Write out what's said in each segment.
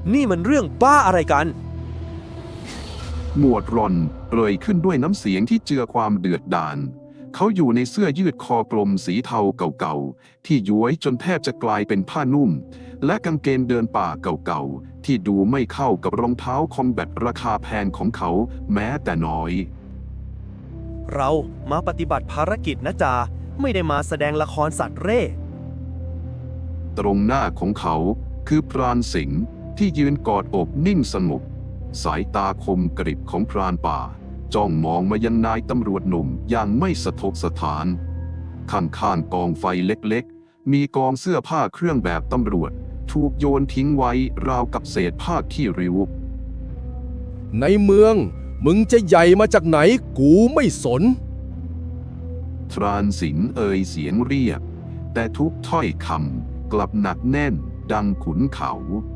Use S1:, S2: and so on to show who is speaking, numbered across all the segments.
S1: นี่มันเรื่องบ้าอะไรกัน
S2: หมวดรอนเอ่ยขึ้นด้วยน้ำเสียงที่เจือความเดือดดาลเขาอยู่ในเสื้อยืดคอกลมสีเทาเก่าๆที่ย้วยจนแทบจะกลายเป็นผ้านุ่มและกางเกงเดินป่าเก่าๆที่ดูไม่เข้ากับรองเท้าคอมแบทราคาแพงของเขาแม้แต่น้อย
S1: เรามาปฏิบัติภารกิจนะจาไม่ได้มาแสดงละครสัตว์เร่
S2: ตรงหน้าของเขาคือพรานสิงห์ที่ยืนกอดอกนิ่งสงบสายตาคมกริบของพรานป่าจ้องมองมายังนายตำรวจหนุ่มอย่างไม่สะทกสถานข้างๆกองไฟเล็กๆมีกองเสื้อผ้าเครื่องแบบตำรวจถูกโยนทิ้งไว้ราวกับเศษผ้าขี้ริ้ว
S3: ในเมืองมึงจะใหญ่มาจากไหนกูไม่สน
S2: พรานสิงห์เอ่ยเสียงเรียกแต่ทุกถ้อยคำกลับหนักแน่นดังขุนเขา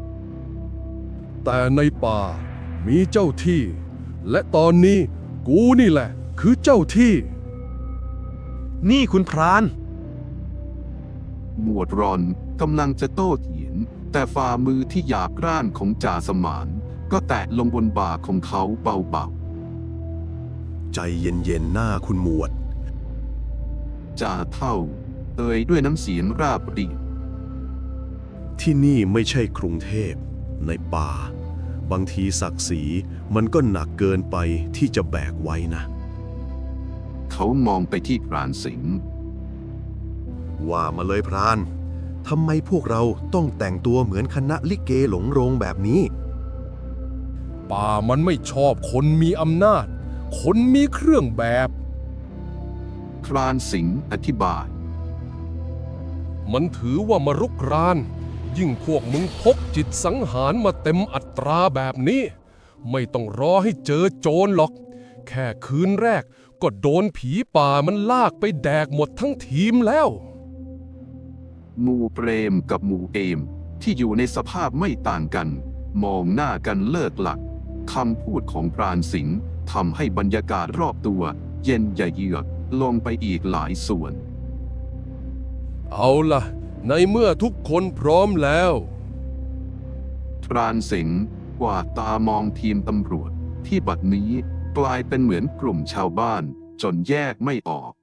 S3: แต่ในป่ามีเจ้าที่และตอนนี้กูนี่แหละคือเจ้าที่
S1: นี่คุณพราน
S2: หมวดรอนกำลังจะโต้เถียงแต่ฝ่ามือที่หยาบกร้านของจ่าสมานก็แตะลงบนบ่าของเขาเบา
S4: ใจเย็นๆหน้าคุณหมวด
S2: ๆจ่าเท่าเอ่ยด้วยน้ำเสียงราบเรียบ
S4: ที่นี่ไม่ใช่กรุงเทพในป่าบางทีศักดิ์ศรีมันก็หนักเกินไปที่จะแบกไว้นะ
S2: เขามองไปที่พรานสิงห์
S4: ว่ามาเลยพรานทำไมพวกเราต้องแต่งตัวเหมือนคณะลิเกหลงโรงแบบนี้
S3: ป่ามันไม่ชอบคนมีอำนาจคนมีเครื่องแบบ
S2: พรานสิงห์อธิบาย
S3: มันถือว่ามารุกรานยิ่งพวกมึงพกจิตสังหารมาเต็มอัตราแบบนี้ไม่ต้องรอให้เจอโจรหรอกแค่คืนแรกก็โดนผีป่ามันลากไปแดกหมดทั้งทีมแล้ว
S2: หมู่เปรมกับหมู่เอมที่อยู่ในสภาพไม่ต่างกันมองหน้ากันเลิกหลักคำพูดของพรานสิงห์ทำให้บรรยากาศรอบตัวเย็นเยือกลงไปอีกหลายส่วน
S3: เอาล่ะในเมื่อทุกคนพร้อมแล้ว
S2: พรานสิงห์กวาดตามองทีมตำรวจที่บัดนี้กลายเป็นเหมือนกลุ่มชาวบ้านจนแยกไม่ออก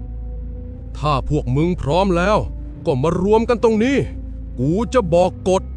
S3: ถ้าพวกมึงพร้อมแล้วก็มารวมกันตรงนี้กูจะบอกกฎ